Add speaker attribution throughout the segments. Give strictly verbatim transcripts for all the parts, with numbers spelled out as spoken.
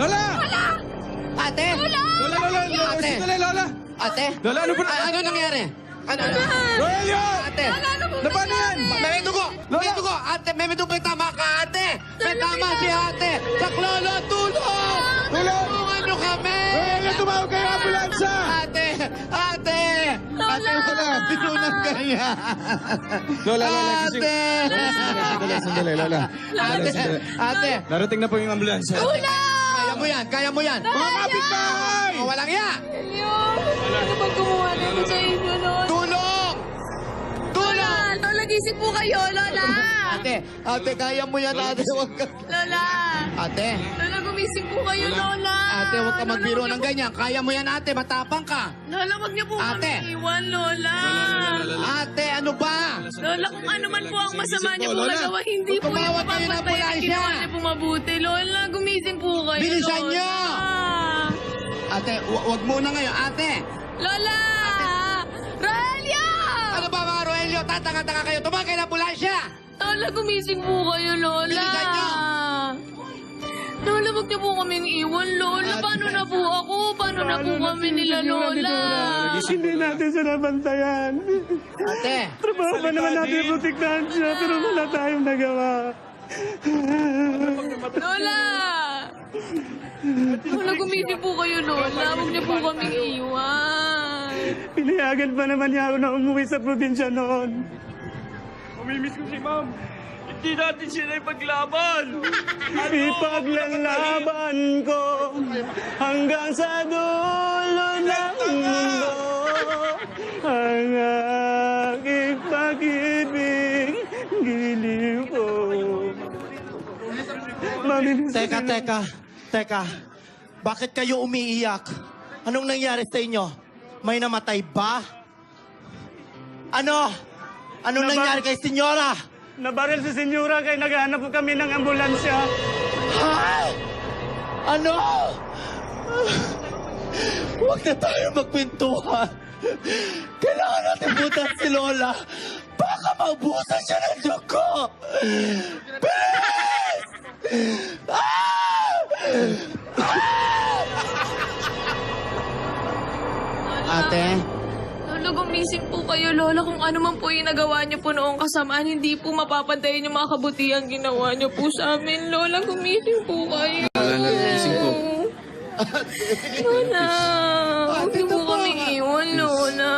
Speaker 1: Lola!
Speaker 2: Ate!
Speaker 1: Lola, Lola! Lola!
Speaker 2: Ate!
Speaker 1: Sandali, Lola!
Speaker 2: Ate!
Speaker 1: Lola, ano ba na?
Speaker 2: A- ano nangyari? Ano? ano?
Speaker 1: Rogelio!
Speaker 2: Ate!
Speaker 1: Na paano yan?
Speaker 2: May dugo! May dugo! Ate! May dugo! May tama ka, ate! May tama si ate! Saklolo, tulong!
Speaker 1: Tulong!
Speaker 2: Tulungan nyo kami!
Speaker 1: Rogelio, tumawag kayo ng ambulansya!
Speaker 2: Ate! Ate! Ate! Wala! Tinunang ganyan!
Speaker 1: Lola, Lola, gising.
Speaker 2: Ate!
Speaker 1: Sandali, sandali, Lola. Lola,
Speaker 2: Ate!
Speaker 1: sandali.
Speaker 2: Ate!
Speaker 1: Darating na po yung ambulansya.
Speaker 2: Kaya mo yan! Kaya mo yan!
Speaker 1: Mga kapitbahay!
Speaker 2: Oh, walang ya!
Speaker 3: Ano bang gumawa nito sa inyo, Lola?
Speaker 2: Tulong! Tulong!
Speaker 3: Lola, gising po kayo, Lola!
Speaker 2: Ate! Ate, kaya mo yan, ate! Huwag ka...
Speaker 3: Lola!
Speaker 2: Ate!
Speaker 3: Lola, gumising po kayo, Lola!
Speaker 2: Ate, huwag ka
Speaker 3: Lola,
Speaker 2: magbiro
Speaker 3: wag
Speaker 2: ng
Speaker 3: niyo
Speaker 2: ganyan. Kaya mo yan, ate. Matapang ka.
Speaker 3: po- Lola, wag niyo po
Speaker 2: Ate.
Speaker 3: kami iwan, Lola!
Speaker 2: Ate, ano ba?
Speaker 3: Lola, kung ano man po ang masama niyo po
Speaker 1: Lola.
Speaker 3: magawa, hindi po yung
Speaker 2: Tumawag kayo ng
Speaker 3: mapapatay ang
Speaker 2: ambulansya.
Speaker 3: ginawa niyo po mabuti. Lola, gumising po kayo,
Speaker 2: Bilisan
Speaker 3: Lola!
Speaker 2: niyo. Ate, hu- huwag muna ngayon. Ate!
Speaker 3: Lola! Rogelio!
Speaker 2: Ano ba mga Roelio? Tatanga-tanga kayo. Tumawag kayo ng ambulansya!
Speaker 3: Lola, gumising po kayo, Lola!
Speaker 2: Bilisan niyo.
Speaker 3: Lola, wag niyo po kaming iwan, Lola.
Speaker 2: Ate.
Speaker 3: Paano na po ako? Paano na po kami nila, Lola?
Speaker 4: Hindi natin siya nabantayan.
Speaker 2: Ate!
Speaker 4: Trabaho pa naman natin protektahan siya, pero wala tayong nagawa.
Speaker 3: Lola! Lola, gumising po kayo, Lola. Huwag niyo po kaming iwan.
Speaker 4: Pinayagan pa naman niya ako na umuwi sa probinsya noon.
Speaker 5: Mamimiss ko si ma'am. Hindi natin sila ipaglaban.
Speaker 4: Ipaglalaban ko hanggang sa dulo ng mundo ang aking pag-ibig, giliw ko. Mamimiss ko
Speaker 6: Teka,
Speaker 4: sila.
Speaker 6: teka, teka. Bakit kayo umiiyak? Anong nangyari sa inyo? May namatay ba? Ano? Anong
Speaker 4: Naba-
Speaker 6: nangyari kay senyora?
Speaker 4: Nabaril si Senyora kaya naghahanap po kami ng ambulansya.
Speaker 6: Ha? Ano? Huwag na tayo magpintuhan. Kailangan natin butan si Lola. Baka maubusan siya ng dugo. Bilis! Ah!
Speaker 2: Ate!
Speaker 3: Lola, gumising po kayo, Lola. Kung ano man po yung nagawa niyo po noong kasamaan, hindi po mapapantayin yung mga kabutihan ginawa niyo po sa amin. Lola, gumising po kayo.
Speaker 1: Lola, gising po.
Speaker 3: Lola, huwag niyo po kami iwan, Lola.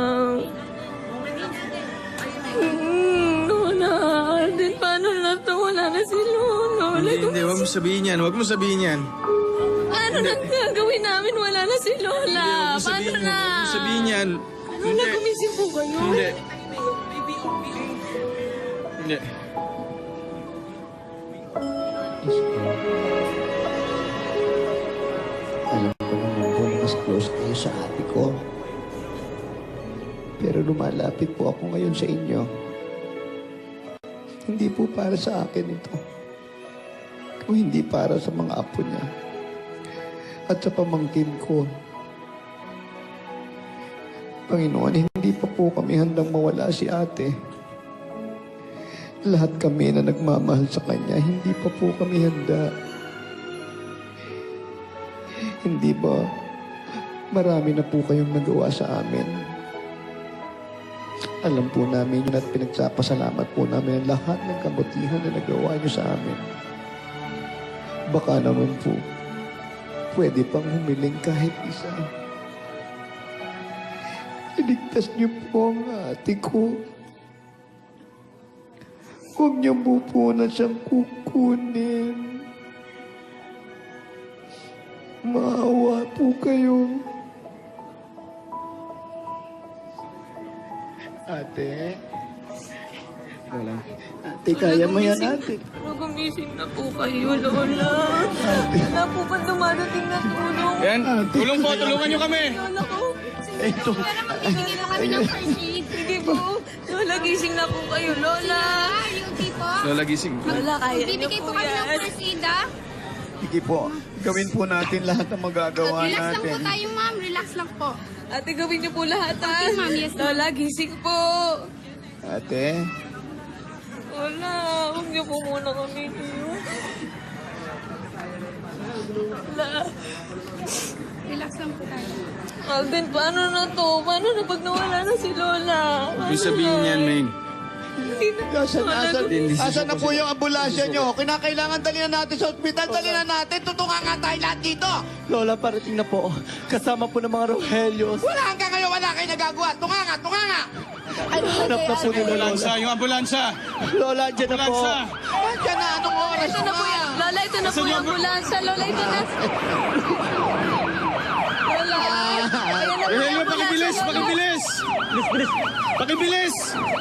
Speaker 3: Hmm, Lola, Alden, paano na to? Wala na si Lola. Lola,
Speaker 1: Hindi, hindi. Huwag mo sabihin yan. Huwag mo sabihin yan.
Speaker 3: ano na gagawin namin? Wala na si Lola.
Speaker 1: Huwag mo
Speaker 3: Paano
Speaker 1: sabihin yan.
Speaker 3: na?
Speaker 1: Huwag mo sabihin yan.
Speaker 3: Lola,
Speaker 1: Hindi.
Speaker 3: gumising po kayo.
Speaker 1: Hindi. Hindi.
Speaker 7: Alam ko naman po na mas close kayo sa ate ko. Pero lumalapit po ako ngayon sa inyo. Hindi po para sa akin ito. Kung hindi para sa mga apo niya. At sa pamangkin ko. Panginoon, hindi pa po kami handang mawala si ate. Lahat kami na nagmamahal sa kanya, hindi pa po kami handa. Hindi ba marami na po kayong nagawa sa amin? Alam po namin yun at pinagpapasalamat po namin ang lahat ng kabutihan na nagawa niyo sa amin. Baka naman po, pwede pang humiling kahit isa. Iligtas niyo po ang ate ko. Huwag niyo po po na siyang kukunin. Maawa po kayo. Ate.
Speaker 1: Lola.
Speaker 7: Ate, kaya mo yan, ate.
Speaker 3: Lola, gumising na po kayo, Lola. Wala po ba dumadating na tulong?
Speaker 1: Yan. Tulong po. Tulungan nyo kami.
Speaker 3: Lola ko.
Speaker 7: Ito.
Speaker 3: Bibigyan na kami ng first aid. Sige po. Lola, gising na po kayo, Lola.
Speaker 1: Lola, gising.
Speaker 3: Lola, kaya niyo
Speaker 8: Bibigay
Speaker 3: po
Speaker 8: po kami ng
Speaker 3: yan.
Speaker 8: first aid, ah.
Speaker 7: Sige po. Gawin po natin lahat ng magagawa
Speaker 8: Relax lang po
Speaker 7: natin.
Speaker 8: tayo, ma'am. Relax lang po.
Speaker 3: Ate, gawin niyo po lahat, ha?
Speaker 8: Okay, ma'am. Yes, ma'am.
Speaker 3: Lola, gising po.
Speaker 7: Ate.
Speaker 3: Lola, huwag niyo po muna kami. Lola.
Speaker 8: Relax lang po tayo.
Speaker 3: Alden, paano na to? Paano na pag nawala na si Lola?
Speaker 1: Ibig sabihin niyan, Main.
Speaker 3: Hindi na.
Speaker 7: Asan, asan,
Speaker 1: Hindi,
Speaker 7: asan na po yung ambulansya nyo? Kinakailangan dali na natin sa ospital. Dali na natin. Tutungan nga tayo lahat dito.
Speaker 6: Lola, parating na po. Kasama po ng mga Rohelios.
Speaker 2: Wala hanggang ngayon, wala kayo nagagawa. Tunga nga, tunga nga.
Speaker 6: Hanap na po nila Lola.
Speaker 1: Ambulansya, yung ambulansya.
Speaker 6: Lola, andyan na po.
Speaker 1: Ambulansya.
Speaker 2: Nandiyan na, anong oras?
Speaker 3: Ito na po yan. Lola, ito na po yung ambulansya. Lola, ito na. Lola, ayan na po
Speaker 1: Eh,
Speaker 3: yung
Speaker 1: hey, pakibilis,
Speaker 3: ambulansya, Lola.
Speaker 1: pakibilis. Pakibilis.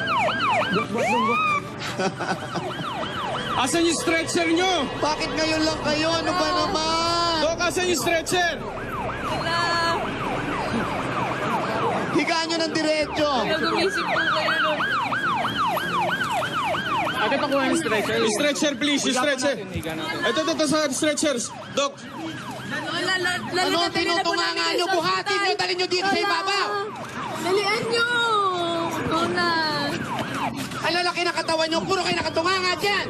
Speaker 1: Asan yung stretcher nyo?
Speaker 7: Bakit ngayon lang kayo? Ano ba naman?
Speaker 1: Dok, asan yung stretcher?
Speaker 3: Lola,
Speaker 7: Higaan nyo ng diretso.
Speaker 3: kaya gumising po kayo, Lola.
Speaker 1: Ate, pakuha yung stretcher. Yung stretcher, please, yung stretcher. Ito, ito, ito sa stretchers. Dok,
Speaker 3: Lola, Lola, Lola,
Speaker 2: Ano,
Speaker 3: dadalhin na po
Speaker 2: tinutunganga
Speaker 3: namin
Speaker 2: nyo,
Speaker 3: kayo sa
Speaker 2: buhatin
Speaker 3: ospital.
Speaker 2: nyo, dalhin nyo dito sa
Speaker 3: Lola,
Speaker 2: ibabaw.
Speaker 3: Dalian nyo. Lola.
Speaker 2: Ang lalaki na katawan nyo, puro kayo nakatunganga dyan.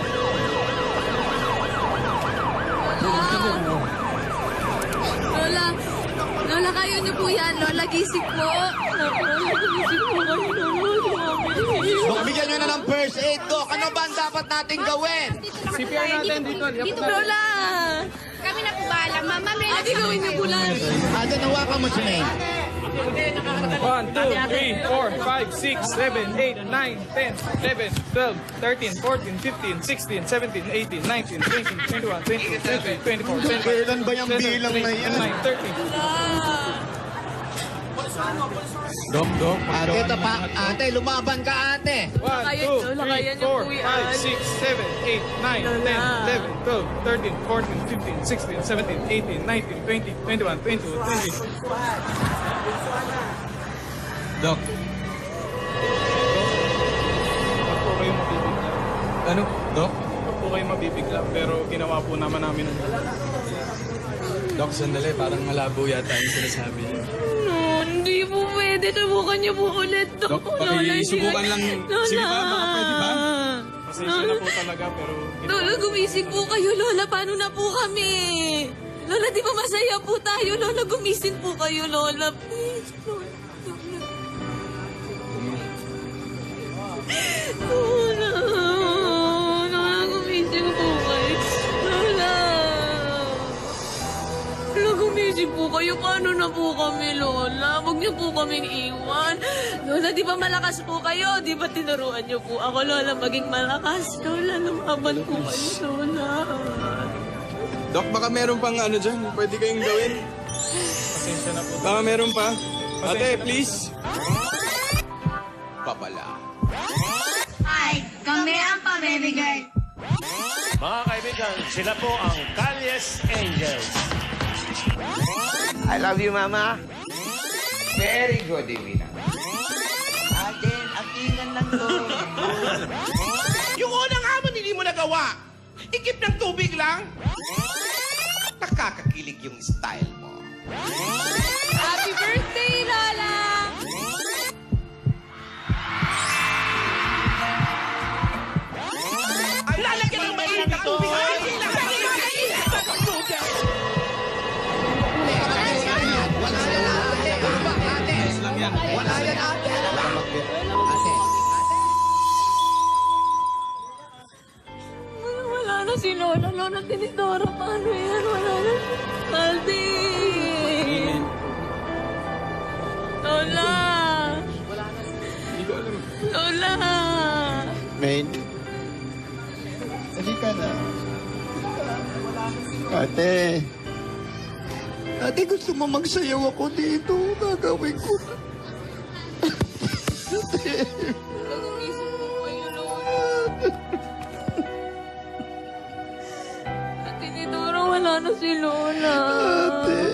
Speaker 3: Lola, Lola, kayo niyo po yan. Lola, gising po. Lola, gising po kayo, Lola. Mami.
Speaker 2: Dok, bigyan nyo na ng first aid, Dok. Ano ba ang dapat nating gawin?
Speaker 8: C P R natin dito. Dito po.
Speaker 3: Lola.
Speaker 8: Kami na po bahala. Ma'am, relax
Speaker 3: Ate, gawin niyo po lang.
Speaker 7: Ate, nawakan mo si May.
Speaker 5: one, two, three, four, five, six, seven, eight, nine, ten, eleven, twelve, thirteen, fourteen, fifteen, sixteen, seventeen, eighteen, nineteen, twenty, twenty-one, twenty-two, twenty-four, twenty-five,
Speaker 7: Kailan ba yung bilang na yan?
Speaker 5: twenty-nine, thirty.
Speaker 1: Dok, Dok.
Speaker 2: Ate, tapa, ate, lumaban ka, ate.
Speaker 5: one,
Speaker 3: Kaya-
Speaker 5: two,
Speaker 3: Lola,
Speaker 5: three,
Speaker 3: kaya niyo
Speaker 5: four,
Speaker 3: po yan.
Speaker 5: five, six, seven, eight, nine, ten,
Speaker 3: Lola.
Speaker 5: eleven, twelve, thirteen, fourteen, fifteen, sixteen, seventeen, eighteen, nineteen, twenty, twenty-one, twenty-two, twenty.
Speaker 1: Dok.
Speaker 5: Huwag po kayo mabibigla.
Speaker 1: Ano? Dok?
Speaker 5: Huwag po kayo mabibigla, pero ginawa po naman namin ang
Speaker 1: Dok, sandali. Parang malabo yata yung sinasabi niyo.
Speaker 3: No, hindi po pwede. Subukan niyo po ulit.
Speaker 1: Dok, pakisubukan lang. Sige ba? Baka pwede ba?
Speaker 5: pasensya na po talaga, pero
Speaker 3: Lola, gumising po kayo, Lola. Paano na po kami? Lola, di ba masaya po tayo? Lola, gumising po kayo, Lola. Please, Lola. Lola. Lola, gumising po kayo. Lola. Lola, gumising po kayo. Paano na po kami, Lola? Huwag niyo po kaming iwan. Lola, di ba malakas po kayo? Di ba tinuruan niyo po ako, Lola, maging malakas? Lola, lumaban po kayo, Lola.
Speaker 1: Dok, baka meron pang ano dyan. Pwede kayong gawin.
Speaker 5: pasensya na po.
Speaker 1: Baka meron pa. Ate, please. Papala.
Speaker 9: Ay, kami ang pamimigay.
Speaker 10: Mga kaibigan, sila po ang Calles Angels.
Speaker 2: I love you, Mama. Very good, Emina.
Speaker 6: Aden, akingan lang to.
Speaker 2: Yung unang hamon hindi mo nagawa. Ikip ng tubig lang. Nakakakilig yung style mo.
Speaker 3: Happy birthday, Lola!
Speaker 2: Ay, lalagyan ng mainit na tubig. Ay, lalagyan ng mainit na tubig. Wala yan, ate. Ano ba, ate?
Speaker 1: lang yan.
Speaker 2: Wala yan, ate.
Speaker 7: Ate,
Speaker 3: Wala na si Lola. Lola, tinidora. Paano yan? Wala na. Aldi! Lola!
Speaker 1: Hindi ko alam.
Speaker 3: Lola!
Speaker 7: Main. Halika na. Ate. Ate, gusto mo magsayaw ako dito. Gagawin ko na. Ate.
Speaker 3: Nag-umisip po kayo, Lola. At tinidora, wala na si Lola.
Speaker 7: Ate.